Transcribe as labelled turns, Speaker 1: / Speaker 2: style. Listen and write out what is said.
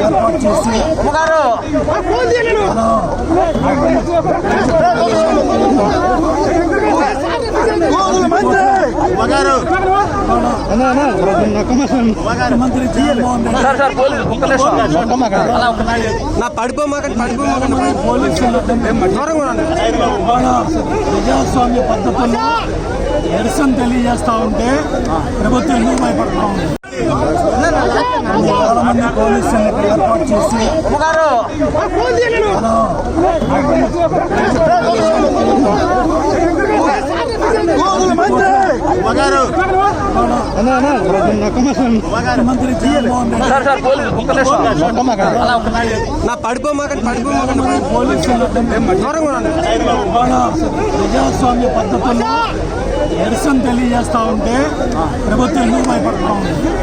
Speaker 1: ఏర్పాటు చేసి ముఖ్యమంత్రి జగన్మోహన్ రెడ్డి పోలీసులు ప్రజాస్వామ్య పద్ధతుల్లో నిరసన తెలియజేస్తా ఉంటే ప్రభుత్వం ఎందుకు భయపడతా ఉంది? చాలా మంది పోలీసులను ఏర్పాటు చేసి ముఖ్యమంత్రి జగన్మోహన్ రెడ్డి పోలీసులు ప్రజాస్వామ్య పద్ధతుల్లో నిరసన తెలియజేస్తా ఉంటే ప్రభుత్వం ఎందుకు భయపడతా ఉంది?